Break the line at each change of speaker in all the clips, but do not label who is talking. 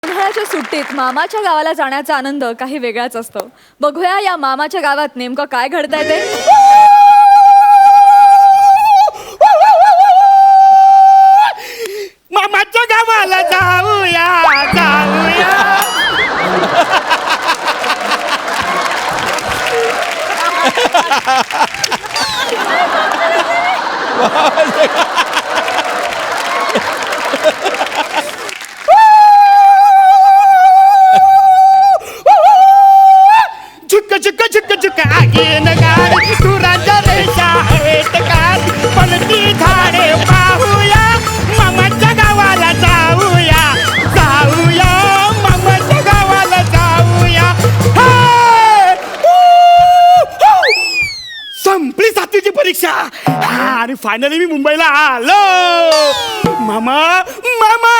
उन्हाळ्याच्या सुट्टीत मामाच्या गावाला जाण्याचा आनंद काही वेगळाच असतो. बघूया या मामाच्या गावात नेमकं काय घडतंय ते.
मामाच्या गावाला जाऊया जाऊया. झुक झुक झुक झुक आगीन गाडी दुराच्या रेषा हवेत काढ पलटी झाडे पाहूया मामाच्या गावाला जाऊया जाऊया मामाच्या गावाला जाऊया. हे! संपली 7वीची परीक्षा आणि फायनली मी मुंबईला आलो. मामा मामा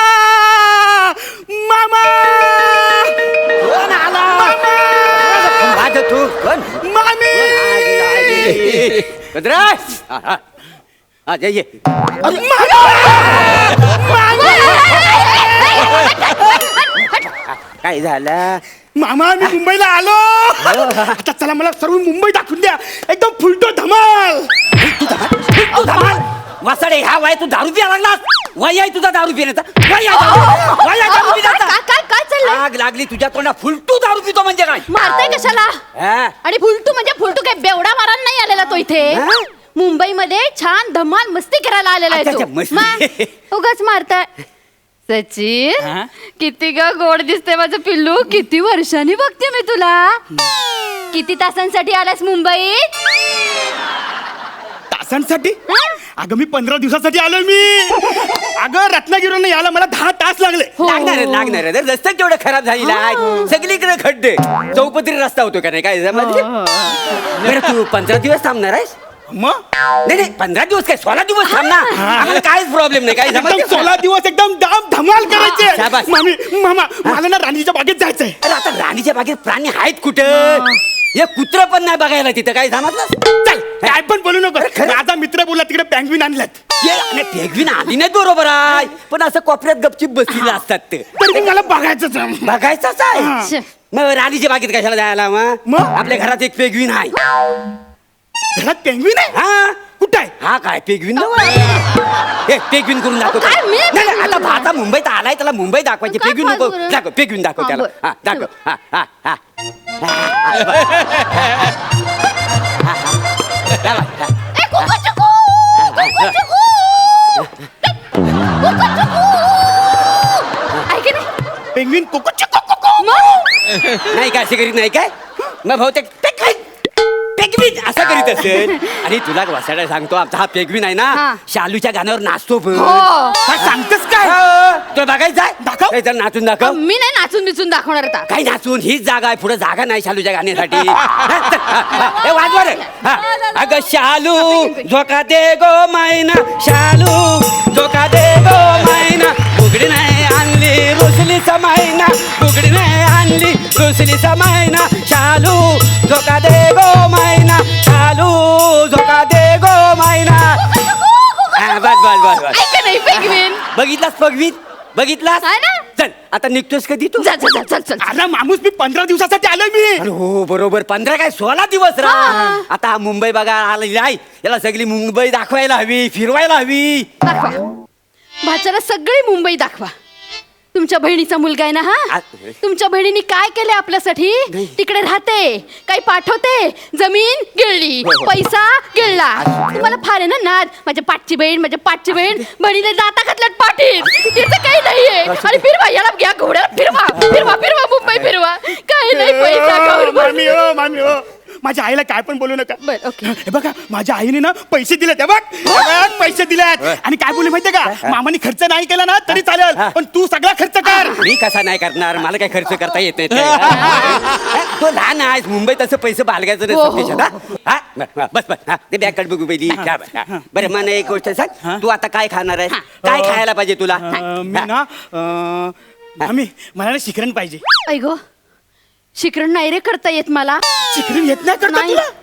मामा
कोण आला? माझं तू कोण?
मामी
ये काय झालं?
मामा मी मुंबईला आलो. आता चला मला सर्व मुंबई दाखवून द्या. एकदम फुलटो धमाल.
तू धमाल वासाडे ह्या वय तू दारू पिया लागलास. वय आहे तुझा दारू पिण्याचा. वय आहे दारू पिण्याचा.
काय चाललंय?
आग लागली तुझ्या तोंडा. फुलटू दारू पितो म्हणजे काय?
मारताय कशाला?
हा?
आणि फुलटू म्हणजे फुलटू काय बेवडा मारायला नाही आलेला तो इथे.
हा?
मुंबईमध्ये छान धमाल मस्ती करायला आलेला आहे
अच्छा,
तो.
मस्ती.
मग उगाच मारताय. सचिन
हा?
किती ग गोड दिसते माझं पिल्लू. किती वर्षांनी बघते मी तुला. किती तासांसाठी आलास मुंबईत?
तासांसाठी अगं मी 15 दिवसासाठी आलोय मी. अगं रत्नागिरीवरून यायला मला 10 तास लागले.
लागणार आहे. रस्ता केवढा खराब झालेला आहे. सगळीकडे खड्डे. चौपदरी रस्ता होतो का नाही काय समजलं? बरं तू 15 दिवस थांबणार आहेस?
मग
नाही 15 दिवस काय 16 दिवस थांबणार. आम्हाला काहीच प्रॉब्लेम नाही. काय
एकदम
समजलं?
16 दिवस एकदम दाम धमाल करायचे.
शाबास.
मामी मामा मला ना राणीच्या बागेत जायचंय.
अरे आता राणीच्या बागेत प्राणी आहेत कुठं? हे कुत्र पण नाही बघायला तिथं. काय समजलं?
चल काय पण बोलू नको.
खरं?
माझा मित्र बोलला तिकडे पेंग्विन आणल्यात.
पेगवीन आली नाही बरोबर आहे. पण असं कोपऱ्यात गपचीप बसलेलं असतात ते.
तर ते मला बघायचंच आहे.
बघायचंच आहे. मग राणीच्या बागेत कशाला जायला मग? आपल्या घरात एक पेगवीन आहे.
घरात पेंग्विन आहे.
हा
कुठं आहे?
हा काय पेगवीन हे पेगवीन करून दाखव.
काय मी
नाही
पेंग्विन?
आता आता मुंबईत आलाय त्याला मुंबई दाखवायची.
काय
पेगवीन नको
फालतू रे?
दाखव. पेगवीन दाखव
हा,
त्याला.
बरं.
हा दाखव. हा हा हा
ए, कुकू चुकू! कुकू चुकू! कुकू चुकू! आहे की नाही?
पेंग्विन कोको चिको कोको.
मग?
नाही काय असे करीत नाही काय? मग बहुतेक पेगवीन असं करीत असेल. आणि तुला वसाडा सांगतो आमचा हा पेगवीन आहे ना
हा.
शालूच्या गाण्यावर नाचतो पण.
हो.
काय सांगतेस काय?
तो बघायचं आहे?
दाखव.
काय जरा नाचून दाखव.
मी नाही नाचून बिचून दाखवणार आता.
काय नाचून? हीच जागा आहे. पुढे जागा नाही शालूच्या गाण्यासाठी. हे वाजवा रे. हा. अगं शालू झोका दे गो मैना. शालू झोका दे गो मैना. बुगडी नाही आणली रुसली समायना. बुगडी नाही आणली रुसली समायना. शालू झोका दे गो मैना. शालू झोका दे गो मैना. हा, बस बस बस बस.
ऐक नाही पेंग्विन.
बघितलास पगवीत? बघितलास?
आहे ना?
चल आता निघतोस कधी तू?
चल चल चल चल.
अरे माणूस मी 15 दिवसासाठी आलोय मी.
अरे हो बरोबर. 15 काय 16 दिवस रा.
हा.
आता हा मुंबई बघा आलेली आहे. याला सगळी मुंबई दाखवायला हवी. फिरवायला हवी.
दाखवा. भाच्याला सगळी मुंबई दाखवा. तुमच्या बहिणीचा मुलगा आहे ना हा? तुमच्या बहिणीने काय केले आपल्यासाठी? तिकडे राहते, काही पाठवते, जमीन गिळली, पैसा गिळला. तुम्हाला फार आहे ना नाद. माझ्या पाठची बहीण बहिणीला दाता घातल्यात पाठीत. तिचं काही नाहीये. आणि फिरवा याला घ्या घोड्याला फिरवा फिरवा फिरवा मुंबई फिरवा. काही नाही पैसा खाऊन
मामी हो मामी हो. माझ्या आईला काय पण बोलू नका.
बरं, ओके.
हे बघा माझ्या आईने ना पैसे दिलेत. हे बघ पैसे दिलेत. आणि काय बोलले माहितीये का? मामाने खर्च नाही केला ना तरी चालेल पण तू सगळा खर्च कर.
मी कसा नाही करणार? मला काय खर्च करता येत नाही ते. तो लहान आहेस. मुंबईत असं पैसे बाळगायचं
हो,
नाही सत्तेशात, हा? बस बस हा ते बॅग बघू पहिली. बरं मला एक गोष्ट सांग. तू आता काय खाणार आहेस? काय खायला पाहिजे तुला?
मी ना मामी मला ना शिकरण पाहिजे.
ऐ गो शिकरण नाही रे करता येत मला.
शिकरण येत नाही करता
नाही.
तुला?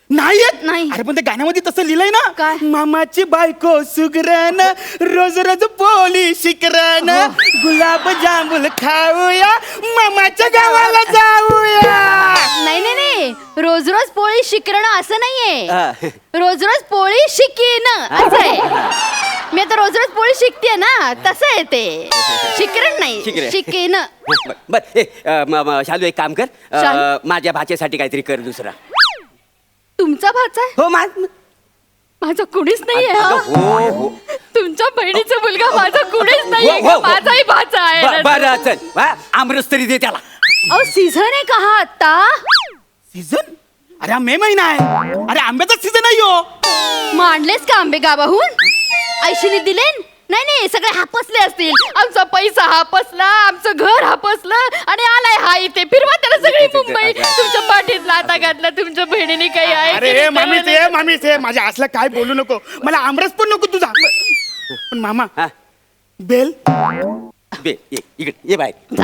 नाही येत
नाही.
अरे पण त्या गाण्यामध्ये तसं लिहिलंय ना
काय?
मामाची बायको सुगरण रोज रोज पोळी शिकरण गुलाब जांभूल खाऊया मामाच्या गावाला जाऊया.
नाही नाही नाही, रोज रोज पोळी शिकरणं असं नाहीये.
हा.
रोज रोज पोळी शिकीन असं आहे. मी आता रोज रोज पोळी शिकते ना, तसं आहे ते. शिकरण नाही,
शिकरण.
शिकीन.
बर शालू एक काम कर
शालू?
माझ्या भाच्यासाठी काहीतरी कर दुसरा.
तुमचा भाचा आहे?
हो
माझा कुणीच नाहीये हा.
हो हो
तुमच्या बहिणीचा मुलगा माझा कुणीच नाहीये
हो, हो,
का?
हो.
माझाही भाचा आहे.
बरं चल वा, आमरस तरी दे त्याला.
अहो सीझन आहे का हा आता?
सीझन अरे हा मे महिना आहे. अरे आंब्याचा सीझन आहे हो.
मग आणलेस का आंबे गावाहून? आयशीने दिले? नाही नाही, सगळे हापसले असतील. आमचा पैसा हापसला, आमचं घर हापसलं आणि आलाय हा इथे. फिरवा त्याला सगळी मुंबई. तुमच्या पाठीत लाता घातला तुमच्या बहिणीने काही आहे की
अरे
नाही
मामीच
त्याला?
आहे मामीच आहे माझ्या असलं काय बोलू नको. मला आमरस पण नको तुझा. पण मामा
हा.
बेल
बे ये इकडे ये बाहेर.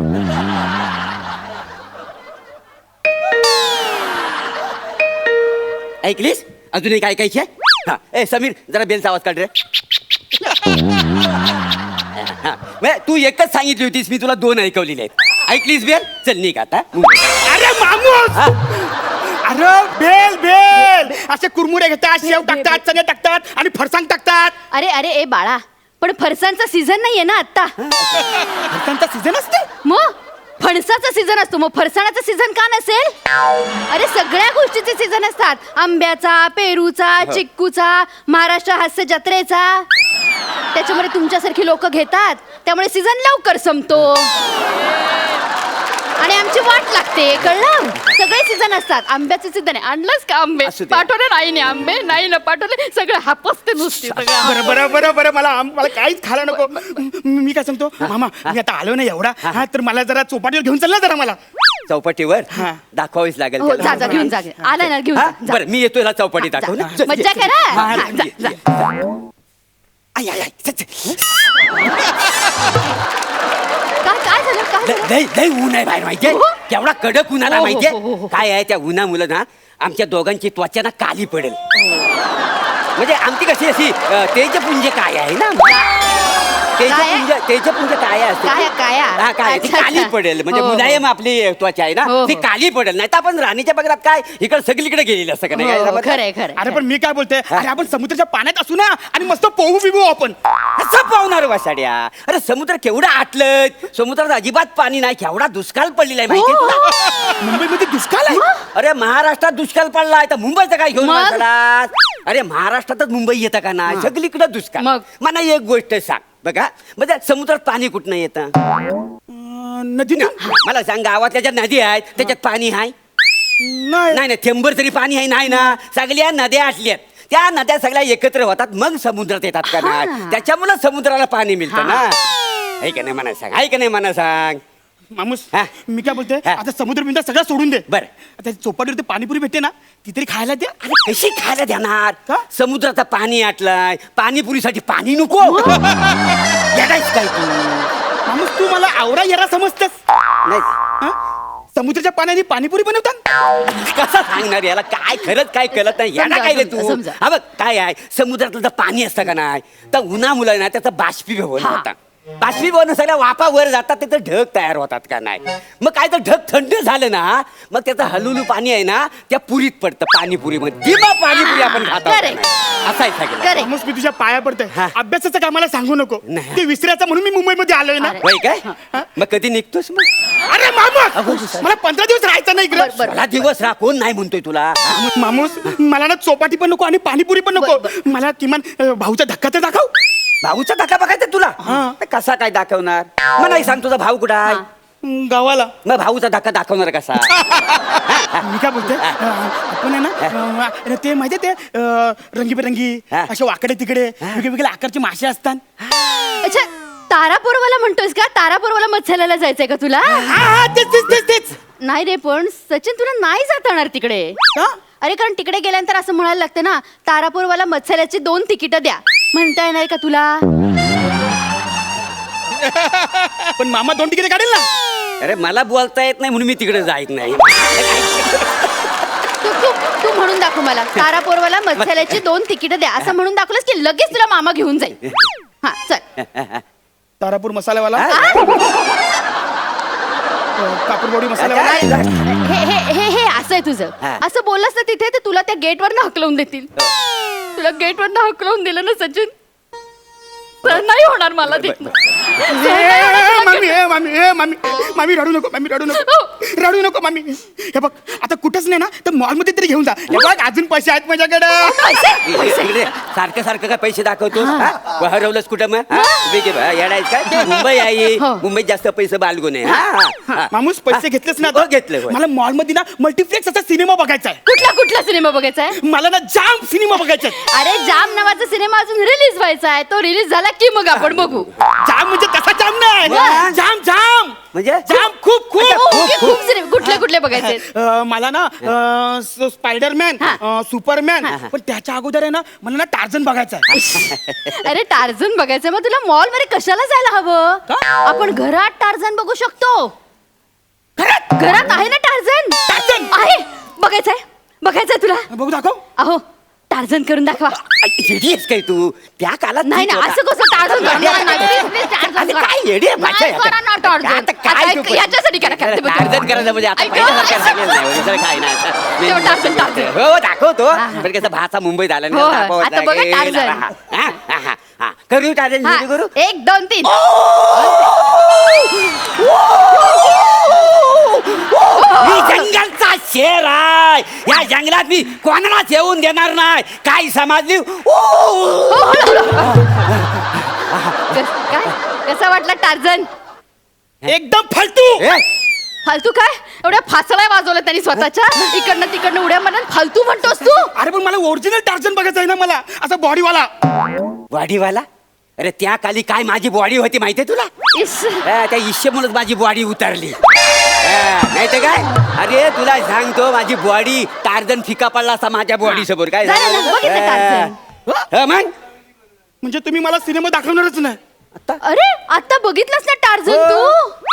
ऐकलीस अजूनही काय ऐकायची आहे? हा ए समीर जरा बेलचा आवाज काढ रे. हा, बे, तू एकच सांगितली होतीस मी तुला 2 ऐकवलेले आहेत. ऐकलीस बेल चल निघ आता.
अरे मामूस अरे बेल बेल असे कुरमुरे घेतात शेव टाकतात चणे टाकतात आणि फरसाण टाकतात.
अरे अरे ए बाळा, पण फरसांचा सीझन नाहीये ना आता.
फरसाणचा सीझन असते.
मग फणसाचा सीझन असतो, मग फरसाणाचा सीझन का नसेल? अरे सगळ्या गोष्टीचे सीझन असतात. आंब्याचा, पेरूचा, चिक्कूचा, महाराष्ट्र हास्य जत्रेचा. त्याच्यामध्ये तुमच्यासारखी लोक घेतात, त्यामुळे सीझन लवकर संपतो आणि आमची वाट लागते. कळलं? सगळे सीझन असतात. आंब्याचे सीझन आहे. आणलंच का आंबे?
असू दे.
पाठवले नाही ना आंबे, नाही ना पाठवले. सगळं हापसते नुसती सगळं.
बरं बरं बरं बरं मला काहीच खायला नको. मी काय सांगतो मामा मी आता आलो ना एवढा हा तर मला जरा चौपाटीवर घेऊन चालला जरा मला.
चौपाटीवर
हा.
दाखवावीच लागेल
हो
त्याला.
जा जा घेऊन जा. आला ना घेऊन
हा?
जा.
बरं मी येतो याला चौपाटी
जा,
दाखव
जा.
ना. चल,
मज्जा
ये,
करा.
हा,
हा, जा,
ये,
जा.
ये. आय, आय, आय, चल, चल.
काय झालं? काय झालं?
लय लय ऊन आहे बाहेर माहितीये.
हो?
केवढा कडक उन्हाळा
हो, हो,
माहितीये.
हो, हो, हो.
काय आहे त्या उन्हामुळे ना आमच्या दोघांची त्वचा ना काली पडेल. म्हणजे आमची कशी अशी तेजपुंज काय आहे ना तेजपुंज काय असते
काया.
हा काय ती
अच्छा,
काली
अच्छा.
पडेल म्हणजे
हो, हो.
मुलायम आपली त्वचा आहे ना
हो, हो.
ती काली पडेल. नाही तर आपण राणीच्या बगरात काय इकडे सगळीकडे गेलेली असतं का नाही काय
हो,
जमत?
खरंय खरंय.
अरे पण मी काय बोलते अरे आपण समुद्राच्या पाण्यात असू ना आणि मस्त पोहू बिबू आपण.
कसं पावणार वासाड्या. अरे समुद्र केवढा आटलं. समुद्रात अजिबात पाणी नाही. केवढा दुष्काळ पडलेला आहे माहिती तुला.
मुंबईमध्ये दुष्काळ आहे.
अरे महाराष्ट्रात दुष्काळ पडलाय तर मुंबईचं काय घेऊन
मग?
बसलास? अरे महाराष्ट्रातच मुंबई येतं का नाही सगळीकडे दुष्काळ.
मग?
मला एक गोष्ट सांग बघा म्हणजे समुद्रात पाणी कुठनं येतं?
नदी ना
मला सांग गावातल्या ज्या नदी आहेत त्याच्यात पाणी आहे?
नाही
नाही थेंबर तरी पाणी आहे नाही ना. सगळ्या नद्या असल्यात त्या नद्या सगळ्या एकत्र होतात मग समुद्रात येतात का नाही.
हा.
त्याच्यामुळे समुद्राला पाणी मिळतं ना. आहे का नाही मला सांग. आहे का नाही मला सांग.
मामूस
हा.
मी काय बोलते
हा.
आता समुद्र बिंदा सगळं सोडून दे.
बरं.
आता चौपाटीवर ते पाणीपुरी भेटते ना ती तरी खायला द्या.
अरे कशी खायला देणार?
का?
समुद्राचं पाणी आटलाय पाणीपुरीसाठी पाणी नको. येडायच काय तू?
मामूस तू मला आवरा येरा समजतेस.
नाही
हा? समुद्राच्या पाण्याने पाणीपुरी बनवतात.
कसा सांगणार याला काय खरंच काय कळत नाही. येडा
समजा,
काय रे
समजा,
तू?
समजा.
हा बघ काय आहे समुद्रातलं जर पाणी असतं का नाही तर उन्हामुळे ना त्याचं बाष्पीभवन
हा.
होतं. बाष्पीभवन सगळ्या वाफा वर जातात तिथं ढग तयार होतात का नाही. मग काय तर ढग थंड झालं ना मग त्याचं हलुलू पाणी आहे ना त्या पुरीत पडतं पाणीपुरीमध्ये. दिवा पाणीपुरी आपण खातो का
Correct.
नाही? असं आहे सगळं.
Correct.
मामूस मी तुझ्या पाया पडते
हा.
अभ्यासाचं कामाला सांगू नको.
नाही.
ते विसरायचं म्हणून मी मुंबईमध्ये आलोय ना.
अरे.
होय काय मग कधी निघतोस मग?
अरे मामूस मला 15 दिवस राहायचं नाही इकडे.
बरं.
मला दिवस राह कोण नाही म्हणतोय तुला.
मामूस मला ना चौपाटी पण नको आणि पाणीपुरी पण नको. मला किमान भाऊचा धक्का तर दाखव.
भाऊचा धक्का बघायचा तुला. कसा काय दाखवणार? मग नाही सांग तुझा भाऊ कुठं आहे?
गावाला.
मग भाऊचा धक्का दाखवणार कसा?
मी काय बोलते आपण आहे ना ते माहितीये ते रंगीबेरंगी
हा.
असे वाकडे तिकडे वेगवेगळ्या आकारचे मासे असतात.
अच्छा तारापूरवाला म्हणतोयस का? तारापूरवाला मत्स्यालयाला जायचंय का तुला?
हा, तेच तेच तेच तेच.
नाही रे पण सचिन तुला नाही जाता येणार तिकडे.
का?
अरे कारण तिकडे गेल्यानंतर असं म्हणायला लागतं ना तारापूरवाला मत्स्यालयाची 2 तिकीट द्या. म्हणता येणार का तुला?
पण मामा 2 तिकीट काढेल ना.
अरे मला बोलता येत नाही म्हणून मी तिकडे जायत नाही.
तू म्हणून दाखव मला तारापोरवाला मत्स्यालयाची 2 तिकीट द्या असं म्हणून दाखवलंस की लगेच तुला मामा घेऊन जाईल. हा चल.
तारापूर मसाल्यावाला, कापूरवाडी
काय?
मसाल्यावाला.
हे असं आहे तुझं. असं बोललास ना तिथे तर तुला त्या गेटवर हकलवून देतील. तुला गेटवर हकलवून दिलं ना सचिन तर नाही होणार मला तिथनं.
मामी मामी मामी मामी रडू नको, मामी रडू नको, रडू नको मामी. हे बघ आता कुठंच नाही ना तर मॉल मध्ये तरी घेऊन जा. हे बघ अजून पैसे आहेत माझ्याकडे.
सारखं सारखं काय पैसे दाखवतो? हरवलंच कुठं मग? येडायच काय? मुंबई आहे, मुंबईत जास्त पैसे बालगुन आहे.
मामूस पैसे घेतलेच ना
हो, घेतले, होय.
मला मॉल मध्ये ना मल्टीप्लेक्स असा सिनेमा बघायचा आहे.
कुठला सिनेमा बघायचा आहे?
मला ना जाम सिनेमा बघायचा आहे.
अरे जाम नावाचा सिनेमा अजून रिलीज व्हायचा आहे. तो रिलीज झाला की मग आपण बघू.
जाम म्हणजे तसा जाम नाही,
मग?
जाम जाम
म्हणजे?
जाम खूप खूप
ओके, खूप सिनेमा कुठले बघायचे?
मला ना स्पायडरमॅन, सुपरमॅन, पण त्याच्या अगोदर आहे ना मला ना टार्झन बघायचा आहे.
अरे टार्झन बघायचं मग तुला मॉल मध्ये कशाला जायला हवं? आपण घरात टार्झन बघू शकतो. घरात आहे ना टार्झन?
टार्झन?
आहे. बघायचंय तुला?
बघू दाखव.
अहो टार्झन करून दाखवा.
येडीस काय तू? त्या काळात
नाही ना असं कसं टार्झन करणार नाही. Please, please, टार्झन
अरे
करा.
काय येडी आहे भाषा
नाही करा ना टार्झन.
आता काय
आता
तू पण?
याच्यासाठी करा.
टार्झन करायचं म्हणजे आता
ऐक,
पहिल्यासारखं
ऐक.
सांगेल नाही, दुसरं काय नाही.
तेव्हा टार्झन.
हो दाखवतो.
हा, हा.
पण कसं भाचा मुंबईत आला
हो, आता बघा टार्झन.
करू टार्झन
हा,
करू.
1 2 3.
मी जंगलचा शेर आहे. या जंगलात मी कोणालाच येऊन देणार नाही. काय समजली?
काय कसा वाटला टार्झन?
एकदम फालतू.
फालतू काय? एवढ्या फासळ्या वाजवल्या त्यांनी स्वतःच्या. इकडनं तिकडनं उड्या मारत फालतू म्हणतोस तू?
अरे पण मला ओरिजिनल टार्झन बघायचा आहे ना, मला असा बॉडीवाला.
बॉडीवाला? अरे त्या खाली काय माझी बॉडी होती माहितीये तुला?
इस.
त्या इश्यमुळेच माझी बॉडी उतरली. नाही तर काय? अरे तुला सांगतो माझी बॉडी टार्झन फिका पडला असा माझ्या बॉडी समोर. काय
झालं ना, बघितलं टार्झन?
मग
म्हणजे तुम्ही मला सिनेमा दाखवणारच नाही.
अरे आता बघितलंस ना टार्झन तू?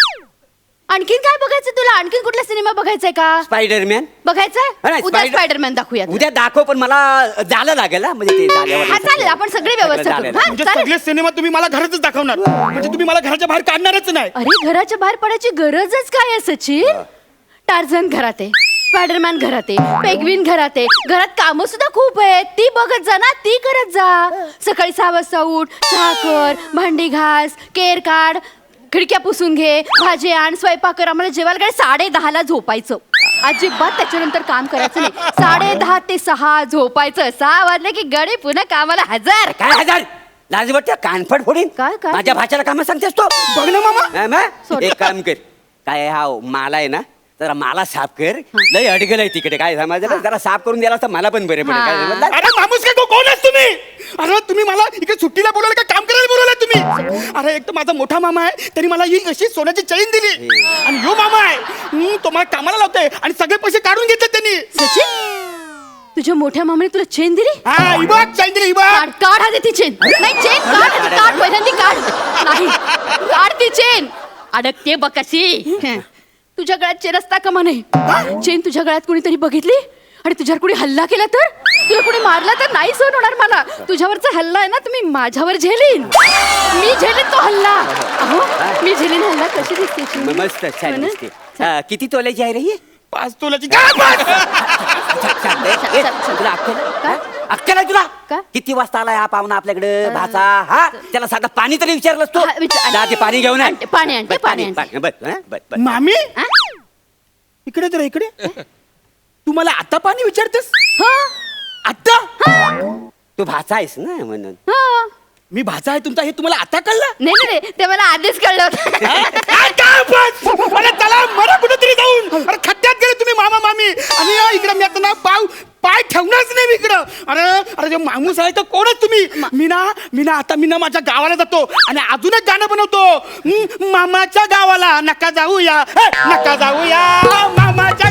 आणखीन काय बघायचं तुला? आणखीन कुठला सिनेमा बघायचाय का?
स्पायडरमॅन
बघायचाय? उद्या स्पायडरमॅन दाखवूया.
उद्या दाखव पण मला झालं लागेल ना, म्हणजे ते झाल्यावर
हा चालेल, आपण सगळी व्यवस्था करू. हा,
म्हणजे
चालेल.
सगळे सिनेमा तुम्ही मला घरातच दाखवणार, म्हणजे तुम्ही मला घराच्या बाहेर काढणारच नाही.
अरे घराच्या बाहेर पडायची गरजच काय आहे सचिन? टार्झन घरात आहे, स्पायडरमॅन घरात आहे, पेंग्विन घरात आहे. घरात कामं सुद्धा खूप आहेत. ती बघत जा ना, ती करत जा. सकाळी 6 वाजता उठ, चहा कर, भांडी घास, केर काढ, खिडक्या पुसून घे, भाजी आण, स्वयंपाक कर. आम्हाला जेवायला काय 10:30ला झोपायचं. अजिबात त्याच्यानंतर काम करायचं नाही. 10:30 ते 6 झोपायचं. 6 वाजले की गडी पुन्हा कामाला हजर.
काय हजार लाज वाटतं? कानफड फोडीन.
काय?
माझ्या भाच्याला काम सांगतेस तो?
बघ ना मामा.
हा, मग? एक काम कर, काय हा माला आहे ना, जरा मला साफ कर. लय अडगल आहे तिकडे. काय समजलं? जरा साफ करून द्याला तर मला पण बरे पडेल. काय समजलं?
अरे माणूस काय कोण आहेस तुम्ही? अरे तुम्ही मला इकडे सुट्टीला बोलवलं का काम करायला बोलवलं तुम्ही? अरे एक तर माझा मोठा मामा आहे, त्यांनी मला ही अशी सोन्याची चैन दिली. आणि यो मामा आहे तो मला कामाला लावतोय आणि सगळे पैसे काढून घेतले त्यांनी.
सचिन तुझ्या मोठ्या मामाने तुला चेन दिली?
हा ही बघ चैन दिली, ही बघ.
काढ काढ आधी ती चेन. नाही चेन काढ आधी, काढ पहिल्यांदी काढ. नाही काढ ती चेन. अडकते बघ कशी. तुझ्या गळ्यात चेन असता का म्हणे? चेन तुझ्या गळ्यात कोणीतरी बघितली आणि तुझ्यावर कोणी हल्ला केला तर? तुला कोणी मारला तर नाही सहन होणार मला. तुझ्यावरचा हल्ला आहे ना तुम्ही माझ्यावर झेलीन. मी झेलीन तो हल्ला. अहो मी झेलीन हल्ला. कशी दिसते ती?
मस्त छान दिसते. किती तोल्याची आहे रे ही?
5 तोल्याची.
तुला अक्कल आहे तुला?
का?
किती वाजता आलाय हा पाहुणा आपल्याकडे भाचा? हा त्याला साधा पाणी तरी विचारलंस तू?
हा,
जा ते पाणी घेऊन ये.
आणते, पाणी आणते, पाणी आणते.
बस
मामी
हा?
इकडे तर इकडे. तू मला आता पाणी विचारतेस?
हा?
आता?
तू भाचा आहेस ना म्हणून.
हा.
मी भाचा आहे तुमचा हे तुम्हाला आता कळलं?
नाही ते मला आधीच कळलं होतं.
अरे चला मला कुठेतरी जाऊन. अरे खड्ड्यात गेले तुम्ही मामा मामी. आणि इकडे मी आता ना पाय ठेवणारच नाही मी इकडं. अरे जे माणूस आहे तर कोणच तुम्ही? मी ना माझ्या गावाला जातो आणि अजून एक गाणं बनवतो. मामाच्या गावाला नका जाऊया, नका जाऊया मामाच्या